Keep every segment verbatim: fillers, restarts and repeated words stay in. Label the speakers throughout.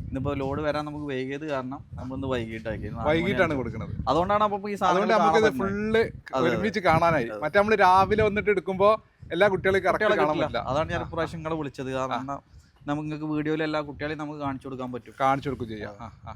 Speaker 1: ഇന്നിപ്പോ ലോഡ് വരാൻ നമുക്ക് വൈകിയത് കാരണം നമ്മളിന്ന് വൈകിട്ടാക്കി
Speaker 2: വൈകിട്ടാണ് കൊടുക്കുന്നത്.
Speaker 1: അതുകൊണ്ടാണ് അപ്പൊ ഈ
Speaker 2: അതുകൊണ്ട് നമുക്ക് ഫുള്ള് ഒരുമിച്ച് കാണാനായി. മറ്റേ നമ്മള് രാവിലെ വന്നിട്ട് എടുക്കുമ്പോ എല്ലാ കുട്ടികളെയും കറക്റ്റ് കാണാൻ പറ്റില്ല.
Speaker 1: അതാണ് ഞാൻ പ്രാവശ്യം നിങ്ങളെ വിളിച്ചത്. കാരണം നമുക്ക് നിങ്ങൾക്ക് വീഡിയോയിൽ എല്ലാ കുട്ടികളെയും നമുക്ക് കാണിച്ചു കൊടുക്കാൻ പറ്റും.
Speaker 2: കാണിച്ചു കൊടുക്കും ചെയ്യാം.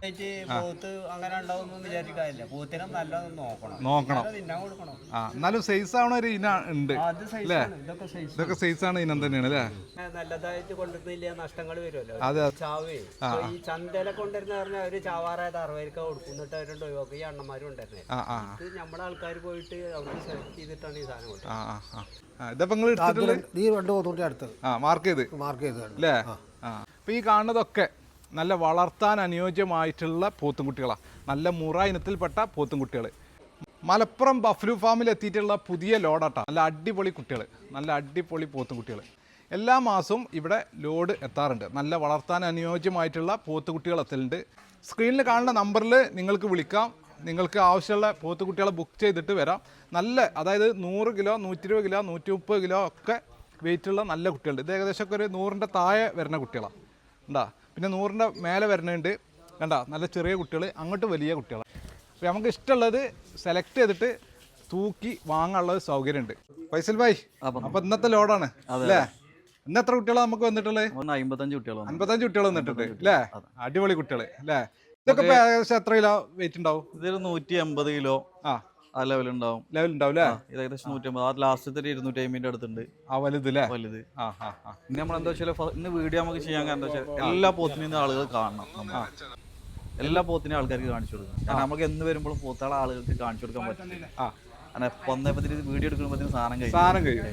Speaker 2: നോക്കണം. ആ എന്നാലും സൈസ് ആവണ ഒരു ഇന ഉണ്ട് അല്ലേ? ഇതൊക്കെ സൈസ് ആണ് ഇനം തന്നെയാണ് അല്ലേ?
Speaker 3: നല്ലതായിട്ട് കൊണ്ടുവരുന്നില്ല, നഷ്ടങ്ങൾ വരുമല്ലോ.
Speaker 2: അതെ.
Speaker 3: ചാവേ ഈ ചന്തയിലെ കൊണ്ടുവരുന്ന പറഞ്ഞാൽ അവര് ചാവാറായത് അറുപതിലേക്ക് കൊടുക്കുന്നിട്ട് അവരുണ്ട് ഒഴിവാക്കും. ഈ അണ്ണന്മാരും ഉണ്ടായിരുന്നേ. ഇത് നമ്മുടെ ആൾക്കാർ പോയിട്ട് അവിടെ സെലക്ട് ചെയ്തിട്ടാണ് ഈ സാധനം കൊടുത്തത്.
Speaker 2: ഇതപ്പോ നിങ്ങൾ മാർക്ക് ചെയ്ത്
Speaker 4: മാർക്ക് ചെയ്ത്
Speaker 2: അല്ലേ? ആ അപ്പൊ ഈ കാണുന്നതൊക്കെ നല്ല വളർത്താൻ അനുയോജ്യമായിട്ടുള്ള പോത്തുംകുട്ടികളാണ്. നല്ല മുറ ഇനത്തിൽപ്പെട്ട പോത്തുംകുട്ടികൾ. മലപ്പുറം ബഫ്ലു ഫാമിൽ എത്തിയിട്ടുള്ള പുതിയ ലോഡാട്ടാ. നല്ല അടിപൊളി കുട്ടികൾ, നല്ല അടിപൊളി പോത്തുംകുട്ടികൾ. എല്ലാ മാസവും ഇവിടെ ലോഡ് എത്താറുണ്ട്. നല്ല വളർത്താൻ അനുയോജ്യമായിട്ടുള്ള പോത്തുകുട്ടികൾ എത്തലുണ്ട്. സ്ക്രീനിൽ കാണുന്ന നമ്പറിൽ നിങ്ങൾക്ക് വിളിക്കാം. നിങ്ങൾക്ക് ആവശ്യമുള്ള പോത്തുകുട്ടികളെ ബുക്ക് ചെയ്തിട്ട് വരാം. നല്ല അതായത് നൂറ് കിലോ നൂറ്റി ഇരുപത് കിലോ നൂറ്റി മുപ്പത് കിലോ ഒക്കെ വെയിറ്റുള്ള നല്ല കുട്ടികളുണ്ട്. ഇത് ഏകദേശം ഒക്കെ ഒരു നൂറിൻ്റെ താഴെ വരുന്ന കുട്ടികളാണ് ഉണ്ടാ. പിന്നെ നൂറിൻ്റെ മേലെ വരുന്നുണ്ട് കണ്ടാ. നല്ല ചെറിയ കുട്ടികൾ, അങ്ങോട്ട് വലിയ കുട്ടികളാണ്. അപ്പോൾ നമുക്ക് ഇഷ്ടമുള്ളത് സെലക്ട് ചെയ്തിട്ട് തൂക്കി വാങ്ങാനുള്ള സൗകര്യമുണ്ട്. ഫൈസൽ ഭായ്, അപ്പോൾ ഇന്നത്തെ ലോഡാണ് അല്ലേ? ഇന്ന് എത്ര കുട്ടികളാണ് നമുക്ക് വന്നിട്ടുള്ളത്?
Speaker 1: അമ്പത്തഞ്ച് കുട്ടികൾ
Speaker 2: അമ്പത്തഞ്ച് കുട്ടികൾ വന്നിട്ടുണ്ട് അല്ലേ? അടിപൊളി കുട്ടികൾ അല്ലേ? ഇതൊക്കെ ഏകദേശം എത്ര കിലോ വെയിറ്റ് ഉണ്ടാവും?
Speaker 1: ഇതൊരു നൂറ്റി അമ്പത് കിലോ ആ ആ ലെവൽ ഉണ്ടാവും.
Speaker 2: ലെവൽ ഉണ്ടാവും അല്ലേ?
Speaker 1: ഇത് ഏകദേശം നൂറ്റി അമ്പത്. ആ ലാസ്റ്റത്തെ ഒരു ഇരുന്നൂറ്റി അമ്പതിന്റെ അടുത്തുണ്ട്.
Speaker 2: ആ വലുത് അല്ലേ?
Speaker 1: വലുത്. ആ ആ ആ ഇനി നമ്മളെന്താ വെച്ചാൽ ഇന്ന് വീഡിയോ നമുക്ക് ചെയ്യാൻ കാരണം എന്താ വെച്ചാൽ എല്ലാ പോത്തിനും ആളുകൾ കാണണം. എല്ലാ പോത്തിനും ആൾക്കാർക്ക് കാണിച്ചു കൊടുക്കണം. കാരണം നമുക്ക് എന്ന് വരുമ്പോഴും പോത്താളെ ആളുകൾക്ക് കാണിച്ചു കൊടുക്കാൻ പറ്റില്ല. ആ അങ്ങനെ പൊന്നപ്പത്തിന് വീഡിയോ എടുക്കുമ്പോഴത്തേനും സാധനം കഴിയും
Speaker 2: സാധനം കഴിയും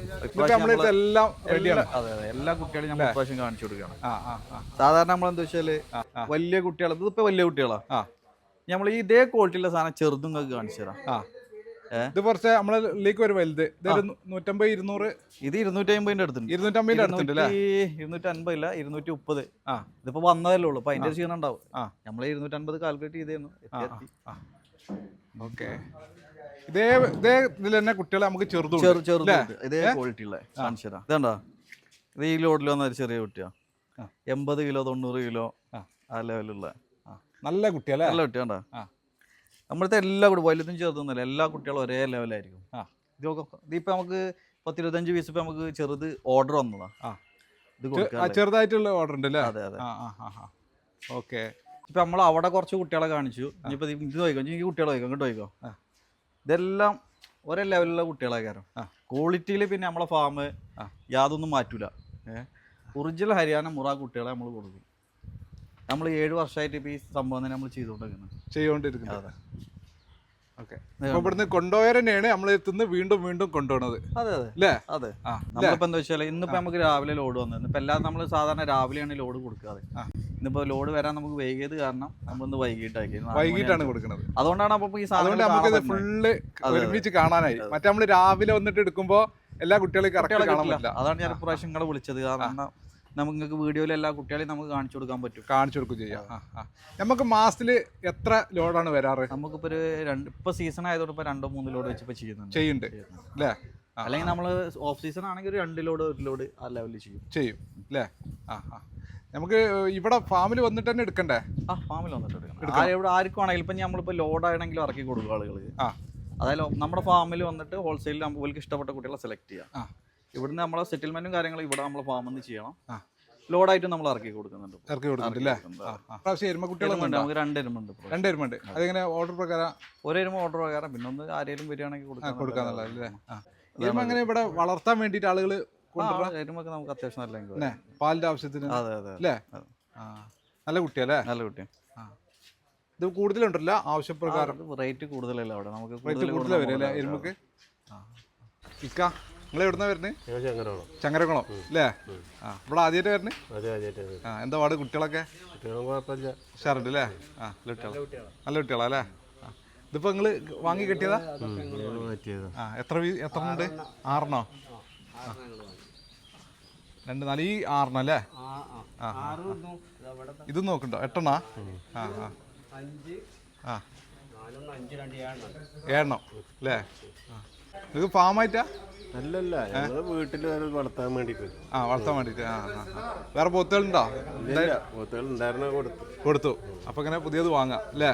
Speaker 1: അതെ അതെ എല്ലാ കുട്ടികളെയും നമ്മൾ പ്രാവശ്യം കാണിച്ചു കൊടുക്കണം. സാധാരണ നമ്മളെന്താ വെച്ചാല് വലിയ കുട്ടികൾ, ഇതിപ്പോ വലിയ കുട്ടികളാ, നമ്മൾ ഈ ഇതേ ക്വാളിറ്റിയുള്ള സാധനം ചെറുതും നിങ്ങൾക്ക് കാണിച്ചു തരാം.
Speaker 2: ഇത് കുറച്ച് നമ്മളിലേക്ക് ഒരു വലുത് നൂറ്റമ്പത് ഇരുന്നൂറ്
Speaker 1: ഇത് ഇരുന്നൂറ്റി അമ്പതിന്റെ അടുത്തുണ്ട്.
Speaker 2: ഇരുന്നൂറ്റമ്പതിന്റെ അടുത്തുണ്ട്
Speaker 1: ഇരുന്നൂറ്റി അൻപതില്ല ഇരുന്നൂറ്റി മുപ്പത്. ഇതിപ്പോ വന്നതല്ലേ ഉള്ളൂ. അപ്പൊ അതിന്റെ ക്ഷീണം ഉണ്ടാവും. നമ്മള് ഇരുന്നൂറ്റി അൻപത് കാൽക്കുലേറ്റ് ചെയ്തേന്നു.
Speaker 2: ഓക്കെ. ഇതേ ഇതേ ഇതിൽ തന്നെ കുട്ടികളെ നമുക്ക് ചെറുത്
Speaker 1: ചെറുത് ഇതേ ക്വാളിറ്റി ഉള്ള കാണിച്ചു തരാം. ഇതേണ്ടാ, ഇത് ഈ ലോഡിൽ വന്ന ഒരു ചെറിയ കുട്ടിയാ. എൺപത് കിലോ തൊണ്ണൂറ് കിലോ ആ ലെവലുള്ള
Speaker 2: നല്ല കുട്ടിയല്ലേ?
Speaker 1: നല്ല കുട്ടിയാണ്ടാ. നമ്മളത്തെ എല്ലാ കുട്ടി വലുതും ചെറുതൊന്നുമില്ല, എല്ലാ കുട്ടികളും ഒരേ ലെവലായിരിക്കും. ഇതൊക്കെ ഇതിപ്പോ നമുക്ക് പത്തിരുപത്തഞ്ച് പീസ് ഇപ്പൊ നമുക്ക് ചെറുത് ഓർഡർ വന്നതാ.
Speaker 2: ഇത് ചെറുതായിട്ടുള്ള ഓർഡർ ഉണ്ട് അല്ലേ?
Speaker 1: അതെ അതെ.
Speaker 2: ഓക്കെ.
Speaker 1: ഇപ്പൊ നമ്മൾ അവിടെ കുറച്ച് കുട്ടികളെ കാണിച്ചു. ഇനിയിപ്പോ ഇത് നോക്കിക്കോ, എനിക്ക് കുട്ടികളെ നോക്കിക്കോ, ഇങ്ങോട്ട് നോക്കിക്കോ. ഇതെല്ലാം ഒരേ ലെവലിലുള്ള കുട്ടികളെ കാരണം ക്വാളിറ്റിയിൽ പിന്നെ നമ്മളെ ഫാം യാതൊന്നും മാറ്റൂല. ഏഹ് ഒറിജിനൽ ഹരിയാന മുറ കുട്ടികളെ നമ്മൾ കൊടുക്കും. നമ്മൾ ഏഴ് വർഷമായിട്ട് ഇപ്പൊ ഈ സംഭവം തന്നെ നമ്മൾ ചെയ്തുകൊണ്ടിരിക്കുന്നത്
Speaker 2: ചെയ്തുകൊണ്ടിരിക്കുന്നത് ഓക്കെ. ഇവിടുന്ന് കൊണ്ടുപോയവർ തന്നെയാണ് നമ്മൾ എത്തുന്നത്, വീണ്ടും വീണ്ടും കൊണ്ടുപോകുന്നത്.
Speaker 1: അതെ അതെ അല്ലേ? അതെ. നമ്മളിപ്പോ എന്താ വെച്ചാൽ ഇന്നിപ്പോ നമുക്ക് രാവിലെ ലോഡ് വന്നത്. ഇപ്പൊ എല്ലാം നമ്മൾ സാധാരണ രാവിലെയാണ് ലോഡ് കൊടുക്കാതെ. ഇന്നിപ്പോ ലോഡ് വരാൻ നമുക്ക് വൈകിയത് കാരണം നമ്മളിന്ന് വൈകിട്ടാക്കി
Speaker 2: വൈകിട്ടാണ് കൊടുക്കുന്നത്.
Speaker 1: അതുകൊണ്ടാണ് അപ്പൊ ഈ സാധനം
Speaker 2: നമുക്ക് ഫുള്ള് ഒരുമിച്ച് കാണാനായി. മറ്റേ നമ്മള് രാവിലെ വന്നിട്ട് എടുക്കുമ്പോ എല്ലാ കുട്ടികളെയും കറക്റ്റ് കാണാൻ പറ്റില്ല.
Speaker 1: അതാണ് ഞാൻ പ്രാവശ്യം നിങ്ങളെ വിളിച്ചത്. കാരണം നമുക്ക് നിങ്ങൾക്ക് വീഡിയോയിൽ എല്ലാ കുട്ടികളെയും നമുക്ക് കാണിച്ചു കൊടുക്കാൻ പറ്റും.
Speaker 2: കാണിച്ചു കൊടുക്കും ചെയ്യാം. നമുക്ക് മാസത്തില് എത്ര ലോഡാണ് വരാറ്?
Speaker 1: നമുക്കിപ്പോ ഒരു രണ്ട് ഇപ്പൊ സീസൺ ആയതുകൊണ്ട് ഇപ്പൊ രണ്ടോ മൂന്ന് ലോഡ് വെച്ച് ഇപ്പൊ ചെയ്യുന്നുണ്ട്
Speaker 2: ചെയ്യുന്നുണ്ട് അല്ലേ?
Speaker 1: അല്ലെങ്കിൽ നമ്മള് ഓഫ് സീസൺ ആണെങ്കിൽ ഒരു രണ്ട് ലോഡ് ഒരു ലോഡ് ആ ലെവലിൽ ചെയ്യും
Speaker 2: ചെയ്യും അല്ലേ? ആ ആ നമുക്ക് ഇവിടെ ഫാമിൽ വന്നിട്ട് തന്നെ എടുക്കണ്ടേ?
Speaker 1: ആ ഫാമിൽ വന്നിട്ട് എടുക്കണം. ഇവിടെ ആർക്കും ആണെങ്കിലും ഇപ്പൊ നമ്മളിപ്പോ ലോഡ് ആണെങ്കിലും ഇറക്കി കൊടുക്കും ആളുകൾക്ക്. ആ അതായത് നമ്മുടെ ഫാമിൽ വന്നിട്ട് ഹോൾസെയിൽ നമുക്ക് ഇഷ്ടപ്പെട്ട കുട്ടികളെ സെലക്ട് ചെയ്യാം. ഇവിടുന്ന് നമ്മളെ സെറ്റിൽമെന്റും കാര്യങ്ങളും ഇവിടെ നമ്മളെ ഫാമിൽ നിന്ന് ചെയ്യണം. ലോഡായിട്ട് നമ്മൾ ഇറക്കി കൊടുക്കുന്നുണ്ട്.
Speaker 2: ഇറക്കി കൊടുക്കുന്നുണ്ട്
Speaker 1: നമുക്ക് രണ്ട് എരുമുണ്ട്.
Speaker 2: രണ്ട് എരുമുണ്ട്. അതെങ്ങനെ ഓർഡർ പ്രകാരം?
Speaker 1: ഒരു എരുമ ഓർഡർ പ്രകാരം, പിന്നെ ഒന്ന് ആരെങ്കിലും വരികയാണെങ്കിൽ
Speaker 2: കൊടുക്കാന്നുള്ളതല്ലേ? എങ്ങനെ ഇവിടെ വളർത്താൻ വേണ്ടിയിട്ട് ആളുകൾ
Speaker 1: എരുമൊക്കെ നമുക്ക് അത്യാവശ്യം നല്ല
Speaker 2: പാലിന്റെ ആവശ്യത്തിന്.
Speaker 1: അതെ അതെ
Speaker 2: അല്ലേ? നല്ല കുട്ടിയല്ലേ?
Speaker 1: നല്ല കുട്ടി.
Speaker 2: ഇത് കൂടുതലുണ്ടല്ലോ ആവശ്യപ്രകാരം.
Speaker 1: റേറ്റ് കൂടുതലല്ല അവിടെ, നമുക്ക്
Speaker 2: റേറ്റ് കൂടുതൽ വരും അല്ലേ എരുമക്ക്? ഇക്ക നിങ്ങൾ എവിടുന്നാ വരുന്നത്? ചങ്ങരകുളം അല്ലേ? ആ ഇവിടെ ആദ്യമായിട്ട് വരുന്നത്? ആ എന്താ പാട് കുട്ടികളൊക്കെ? ഉഷാറുണ്ട് അല്ലേ? ആ നല്ല കുട്ടികളാ അല്ലേ? ഇതിപ്പോ നിങ്ങള് വാങ്ങി കെട്ടിയതാ? ആ എത്ര എത്ര ഉണ്ട്? ആറെണ്ണോ? രണ്ട് നാല് ഈ ആറെണ്ണം അല്ലേ? ആ ഇത് നോക്കണ്ടോ? എട്ടെണ്ണ? ആ ആ ആ ഏഴെണ്ണം അല്ലേ? ഇത് ഫാമായിട്ടാ?
Speaker 4: അല്ലല്ല, ഞങ്ങള് വീട്ടിൽ വളർത്താൻ വേണ്ടിട്ട്.
Speaker 2: ആ, വളർത്താൻ വേണ്ടിട്ട്. ആ ആ. വേറെ പോത്തുകളുണ്ടോ?
Speaker 4: പോത്തുകൾ ഉണ്ടായിരുന്ന കൊടുത്തു
Speaker 2: കൊടുത്തു. അപ്പൊ ഇങ്ങനെ പുതിയത് വാങ്ങാം അല്ലേ?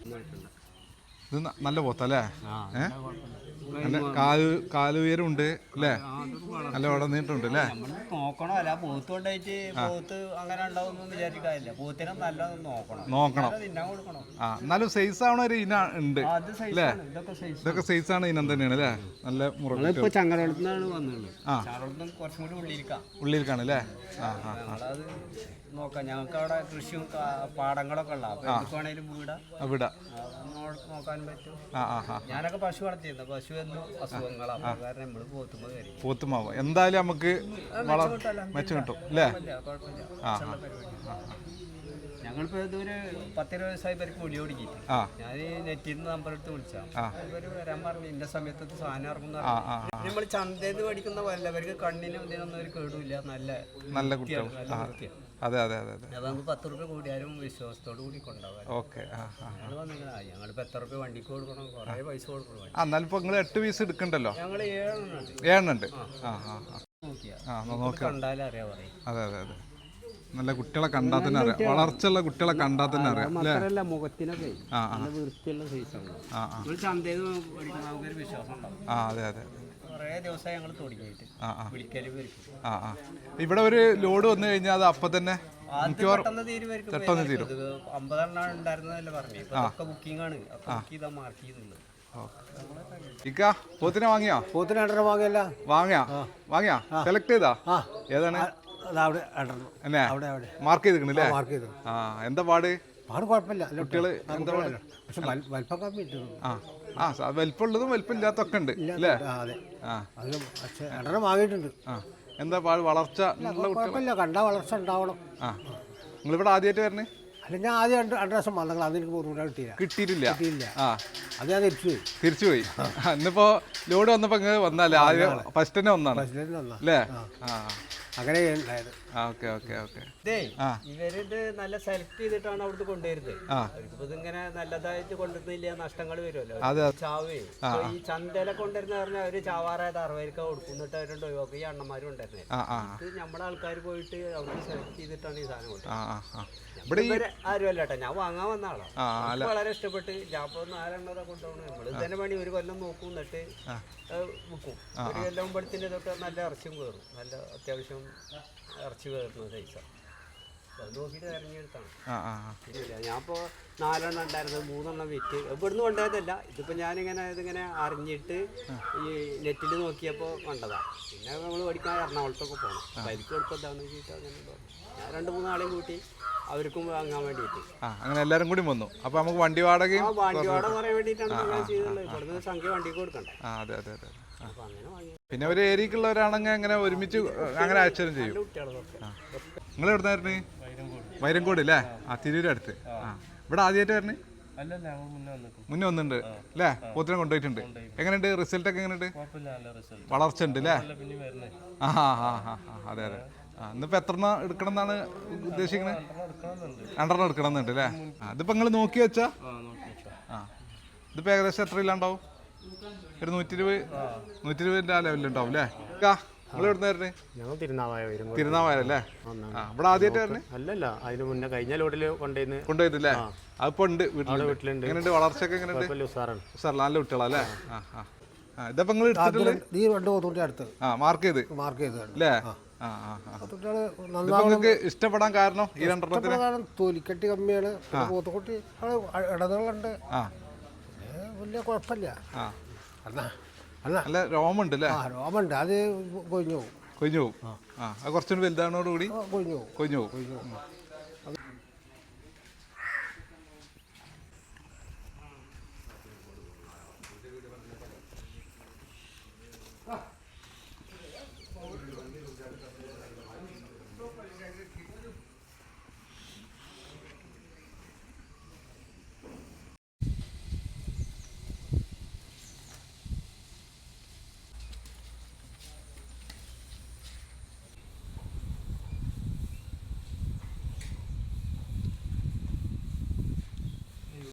Speaker 2: ഇത് ന- നല്ല പോത്തല്ലേ? ഏഹ് നല്ല കാല് കാലുയരം ഉണ്ട് അല്ലേ? നല്ല ഉടനീട്ടുണ്ട് അല്ലേ?
Speaker 3: നോക്കണം, അല്ല പോത്ത് കൊണ്ടായിട്ട് പോത്ത് അങ്ങനെ ഉണ്ടാവും വിചാരിക്കാറില്ല. പോത്തിനെ നല്ലത് നോക്കണം
Speaker 2: നോക്കണം.
Speaker 3: തിന്നാൻ കൊടുക്കണം.
Speaker 2: ആ, എന്നാലും സൈസ് ആവണ ഒരു ഇന ഉണ്ട്
Speaker 3: അത്
Speaker 2: അല്ലേ?
Speaker 3: ഇതൊക്കെ സൈസ്.
Speaker 2: ഇതൊക്കെ സൈസ് ആണ് ഇനം തന്നെയാണ് അല്ലേ? നല്ല മുറ
Speaker 3: ഇപ്പൊ ചങ്ങരകുളത്തുനിന്നാണ് വന്നുള്ളത്.
Speaker 2: ആ.
Speaker 3: ചങ്ങരകുളത്തുനിന്ന് കുറച്ചും കൂടി ഉള്ളിരിക്കാം.
Speaker 2: ഉള്ളിലേക്കാണ് അല്ലേ? ആ ആ
Speaker 3: ഞങ്ങളത് നോക്കാം. ഞങ്ങൾക്ക് അവിടെ കൃഷിയും കാ- പാടങ്ങളൊക്കെ ഉള്ള അപ്പൊ എന്തൊക്കെ വേണേലും വീടാ
Speaker 2: അവിടെ
Speaker 3: നോക്കാനും പറ്റും.
Speaker 2: ആ ആ ആ
Speaker 3: ഞാനൊക്കെ പശു വളർത്തിയിരുന്നു. പശു എന്നും അസുഖങ്ങളാണ്. അപ്പൊ കാരണം നമ്മള് പോത്തുമ്പോ കയറി
Speaker 2: പോത്തുമാവ് എന്തായാലും നമുക്ക് വളർ മെച്ചം കിട്ടും അല്ലേ?
Speaker 3: കുഴപ്പമില്ല.
Speaker 2: ആ
Speaker 3: ഉള്ള പരിപാടി. ഞങ്ങളിപ്പോ ഇതൊരു പത്തിരുപത് വയസ്സായി പേർക്ക് പൊടി ഓടിക്കിട്ട്
Speaker 2: ആ
Speaker 3: ഞാൻ നെറ്റിൽ നിന്ന് നമ്പർ എടുത്ത് വിളിച്ചാ
Speaker 2: ആ.
Speaker 3: ഇവര് വരാൻ പറഞ്ഞു ഇന്ന സമയത്ത് സാധനം ഇറങ്ങുന്ന.
Speaker 2: ആ ആ
Speaker 3: നമ്മൾ ചന്തയിൽ നിന്ന് പഠിക്കുന്ന പോലെ അവർക്ക് കണ്ണിനും ഇതിനൊന്നും ഒരു കേടുമില്ല. നല്ല
Speaker 2: നല്ല കുട്ടികൾ.
Speaker 3: നല്ല വൃത്തിയാണ്.
Speaker 2: അതെ അതെ അതെ അതെ.
Speaker 3: അതാകുമ്പോൾ പത്ത് റുപ്യ കൂടിയാലും വിശ്വാസത്തോട് കൂടി കൊണ്ടുപോകാൻ.
Speaker 2: ഓക്കെ. ആ ആ
Speaker 3: ഞങ്ങൾ വന്നിങ്ങനെ ഞങ്ങളിപ്പോൾ എത്ര റുപ്യ വണ്ടിക്ക് കൊടുക്കണം, കുറേ പൈസ കൊടുക്കണം.
Speaker 2: ആ, എന്നാലും ഇപ്പൊ നിങ്ങൾ എട്ട് പീസ് എടുക്കണ്ടല്ലോ?
Speaker 3: ഞങ്ങൾ ഏഴെണ്ണം ഉണ്ട്.
Speaker 2: ഏഴെണ്ണം ഉണ്ട്. ആ ആ ആ
Speaker 3: നോക്കിയാ
Speaker 2: ആ നോക്കാം.
Speaker 3: കണ്ടാലും അറിയാൻ പറയും.
Speaker 2: അതെ അതെ അതെ. നല്ല കുട്ടികളെ കണ്ടാൽ തന്നെ അറിയാം. വളർച്ചയുള്ള കുട്ടികളെ കണ്ടാൽ തന്നെ അറിയാം അല്ലേ?
Speaker 3: മാത്രമല്ല മുഖത്തിനൊക്കെ
Speaker 2: ആ ആ
Speaker 3: നല്ല വൃത്തിയുള്ള സൈസാണ്.
Speaker 2: ആ ആ
Speaker 3: നമ്മൾ ചന്തയിൽ നിന്ന് പഠിക്കുന്ന നമുക്കൊരു വിശ്വാസം ഉണ്ടാവും.
Speaker 2: ആ അതെ അതെ.
Speaker 3: കുറേ ദിവസമായി ഞങ്ങൾ തുടങ്ങിയിട്ട്
Speaker 2: ആ ആ
Speaker 3: വിളിക്കലും വരും.
Speaker 2: ആ ആ. ഇവിടെ ഒരു ലോഡ് വന്നു കഴിഞ്ഞാൽ അത് അപ്പം തന്നെ
Speaker 3: പെട്ടെന്ന് തീരുമായിരിക്കും. അമ്പതെണ്ണം ഉണ്ടായിരുന്നതല്ലേ പറഞ്ഞു. ഇപ്പൊ ഒക്കെ ബുക്കിംഗ് ആണ്. ബുക്ക് ചെയ്താ മാർക്ക് ചെയ്തുള്ളത്.
Speaker 2: ഇക്ക പോത്തിനെ വാങ്ങിയോ?
Speaker 5: പോത്തിന് രണ്ടെണ്ണം വാങ്ങിയല്ല.
Speaker 2: വാങ്ങിയാ വാങ്ങിയാ സെലക്ട് ചെയ്താ? ഏതാണ്? എന്നെ മാർക്ക് ചെയ്തിരിക്കണല്ലേ?
Speaker 5: മാർക്ക് ചെയ്തു.
Speaker 2: ആ, എന്താ പാട്?
Speaker 5: പാട് കുഴപ്പമില്ല.
Speaker 2: കുട്ടികള് എന്താ പാട്?
Speaker 5: പക്ഷെ വലിപ്പം കമ്മി ഇട്ടു.
Speaker 2: ആ ആ വലിപ്പമുള്ളതും വലിപ്പമില്ലാത്തൊക്കെ ഉണ്ട് അല്ലേ?
Speaker 5: അതെ.
Speaker 2: ആ
Speaker 5: അത് പക്ഷെ രണ്ടെണ്ണം വാങ്ങിയിട്ടുണ്ട്.
Speaker 2: ആ, എന്താ പാട്? വളർച്ച ഉള്ള കുട്ടികൾ?
Speaker 5: കുഴപ്പമില്ല, കണ്ടാ വളർച്ച ഉണ്ടാവണം.
Speaker 2: ആ, നിങ്ങളിവിടെ ആദ്യമായിട്ട് വരണേ?
Speaker 5: അല്ല, ഞാൻ ആദ്യം രണ്ട് രണ്ട് ദിവസം വന്നെങ്കിൽ അത് എനിക്ക് ബുദ്ധിമുട്ടാണ് കിട്ടിയില്ല.
Speaker 2: കിട്ടിയിട്ടില്ല.
Speaker 5: കിട്ടിയില്ല.
Speaker 2: ആ,
Speaker 5: അത് ഞാൻ തിരിച്ചു പോയി.
Speaker 2: തിരിച്ചു പോയി. ഇന്നിപ്പോ ലോഡ് വന്നപ്പോ ഇങ്ങനെ വന്നല്ലേ? ആദ്യം ഫസ്റ്റ് തന്നെ വന്നാണ്
Speaker 5: ബസ്സിലേക്ക് വന്നാ.
Speaker 2: അല്ലേ? ആ
Speaker 5: അങ്ങനെ ഉണ്ടായത്.
Speaker 2: ആ ഓക്കെ ഓക്കെ ഓക്കെ.
Speaker 3: ഇതേ ഇവരിത് നല്ല സെലക്ട് ചെയ്തിട്ടാണ് അവിടുന്ന് കൊണ്ടുവരുന്നത്.
Speaker 2: ആ.
Speaker 3: അവർക്കിപ്പോ ഇതിങ്ങനെ നല്ലതായിട്ട് കൊണ്ടുവരുന്നില്ല, നഷ്ടങ്ങൾ വരുമല്ലോ.
Speaker 2: അതെ.
Speaker 3: ചാവേ ഈ ചന്തയിലെ കൊണ്ടുവരുന്ന പറഞ്ഞാൽ അവര് ചാവാറായത് അറുപതിനൊക്കെ കൊടുക്കുന്നിട്ട് അവരുണ്ട് ഒഴിവാക്കും. ഈ അണ്ണന്മാരും ഉണ്ടായിരുന്നേ.
Speaker 2: ആ ആ
Speaker 3: ഇത് നമ്മളെ ആൾക്കാർ പോയിട്ട് അവർക്ക് സെലക്ട് ചെയ്തിട്ടാണ് ഈ സാധനം കൊണ്ടുവരുന്നത്.
Speaker 2: ആ ആ ഇവിടെ
Speaker 3: ഇവര് ആരും അല്ല കേട്ടോ, ഞാൻ വാങ്ങാൻ വന്ന ആളാ.
Speaker 2: ആ
Speaker 3: എനിക്ക് വളരെ ഇഷ്ടപ്പെട്ട് ഞാൻ ഇപ്പൊ നാലെണ്ണത കൊണ്ടുപോകണം. നമ്മൾ തന്നെ പണി ഒരു കൊല്ലം നോക്കും, എന്നിട്ട് വിൽക്കും. ഒരു കൊല്ലം പടത്തിന്റെ ഇതൊക്കെ നല്ല ഇറച്ചിയും കയറും. നല്ല അത്യാവശ്യം ഇറച്ചി കയറുന്ന സൈസാണ്. അത് നോക്കിയിട്ട് ഇറങ്ങിയെടുത്താണ്.
Speaker 2: ആ ആ
Speaker 3: ഇല്ല, ഞാൻ ഇപ്പോൾ നാലെണ്ണം ഉണ്ടായിരുന്നത് മൂന്നെണ്ണം വിറ്റ് ഇവിടുന്ന് കൊണ്ടുപോയതല്ല. ഇതിപ്പോൾ ഞാനിങ്ങനെ ഇതിങ്ങനെ അറിഞ്ഞിട്ട് ഈ നെറ്റിൽ നോക്കിയപ്പോൾ കണ്ടതാണ്. പിന്നെ നമ്മൾ പഠിക്കാൻ എറണാകുളത്തൊക്കെ പോകണം. ബൈക്ക് എടുപ്പോൾ എന്താണെന്ന് വെച്ചിട്ട് അങ്ങനെ പറഞ്ഞു. ഞാൻ രണ്ട് മൂന്ന് ആളെയും കൂട്ടി അവർക്കും വാങ്ങാൻ വേണ്ടിയിട്ട്.
Speaker 2: ആ, അങ്ങനെ എല്ലാവരും കൂടി വന്നു. അപ്പോൾ നമുക്ക് വണ്ടി വാടകയും
Speaker 3: ആ വണ്ടി വാടക പറയാൻ വേണ്ടിയിട്ടാണ് അങ്ങനെ ചെയ്തുള്ളത്. ഇവിടുന്ന് സംഖ്യ വണ്ടിക്ക് കൊടുക്കണ്ടേ.
Speaker 2: ആ അതെ അതെ അതെ.
Speaker 3: അപ്പോൾ അങ്ങനെ വാങ്ങി.
Speaker 2: പിന്നെ ഒരു ഏരിയക്കുള്ളവരാണെങ്കിൽ അങ്ങനെ ഒരുമിച്ച് അങ്ങനെ അയച്ചാലും ചെയ്യും.
Speaker 3: കുട്ടികളൊക്കെ
Speaker 2: നിങ്ങൾ എവിടുന്നായിരുന്നു? വൈരങ്കോട് അല്ലേ? ആ, തിരൂര് അടുത്ത്. ആ, ഇവിടെ ആദ്യമായിട്ട് വരണേ? മുന്നേ വന്നിട്ടുണ്ട് അല്ലേ? പോത്തിനെ കൊണ്ടുപോയിട്ടുണ്ട്. എങ്ങനെയുണ്ട് റിസൾട്ട് ഒക്കെ? എങ്ങനെയുണ്ട്? വളർച്ച ഉണ്ട് അല്ലേ? ആ ആ ആ ആ അതെ അതെ. ആ, ഇന്നിപ്പോൾ എത്ര എണ്ണം എടുക്കണം എന്നാണ് ഉദ്ദേശിക്കുന്നത്? രണ്ടെണ്ണം എടുക്കണം എന്നുണ്ട് അല്ലേ? ആ, ഇതിപ്പോൾ നിങ്ങൾ നോക്കി വെച്ചാ? ആ, ഇതിപ്പോൾ ഏകദേശം എത്ര ഇല്ലാണ്ടാവും? ഒരു നൂറ്റി ഇരുപത് നൂറ്റി ഇരുപതിൻ്റെ ആ ലെവലിലുണ്ടാവും അല്ലേ? നിങ്ങൾ എവിടെ നിന്ന്
Speaker 4: ഞങ്ങൾ തിരുനാവായ വരും.
Speaker 2: തിരുനാവായല്ലേ? ആ, ഇവിടെ ആദ്യമായിട്ട് വരണേ?
Speaker 4: അല്ലല്ല, അതിന് മുന്നേ കഴിഞ്ഞ ലോഡിൽ കൊണ്ടുവന്ന്
Speaker 2: കൊണ്ടുപോയിട്ടില്ലേ? അതിപ്പോ ഉണ്ട് വീട്ടിലുണ്ട്.
Speaker 4: വീട്ടിലുണ്ട്.
Speaker 2: എങ്ങനെയുണ്ട് വളർച്ചയൊക്കെ? എങ്ങനെയുണ്ട്?
Speaker 4: ഉസാറാണ്.
Speaker 2: സാർ നല്ല കുട്ടികളല്ലേ? ആ ആ ആ, ഇതിപ്പോ നിങ്ങൾ എടുത്തിട്ടുള്ളത്?
Speaker 5: ഈ രണ്ട് പോത്തുകുട്ടി അടുത്ത്
Speaker 2: ആ, മാർക്ക് ചെയ്ത്
Speaker 5: മാർക്ക് ചെയ്തതാണ്.
Speaker 2: അല്ലേ? ആ ആ ആ.
Speaker 5: പോത്തുകുട്ടികള്
Speaker 2: ഇതിപ്പോ നിങ്ങൾക്ക് ഇഷ്ടപ്പെടാൻ കാരണം ഈ രണ്ടെണ്ണത്തിന്?
Speaker 5: നന്നാകാൻ തൊലിക്കട്ടി കമ്മിയാണ്. പോത്തുകുട്ടി ഇടതുകളുണ്ട്.
Speaker 2: ആ,
Speaker 5: വലിയ കുഴപ്പമില്ല.
Speaker 2: ആ,
Speaker 5: അല്ല അല്ല
Speaker 2: നല്ല രോമുണ്ട് അല്ലേ?
Speaker 5: ആ രോമുണ്ട്. അത് കൊഴിഞ്ഞു പോകും.
Speaker 2: കൊഴിഞ്ഞു പോകും. ആ, അത് കുറച്ചുകൂടി വലുതാണോടുകൂടി
Speaker 5: കൊഴിഞ്ഞു പോകും.
Speaker 2: കൊഴിഞ്ഞു പോകും.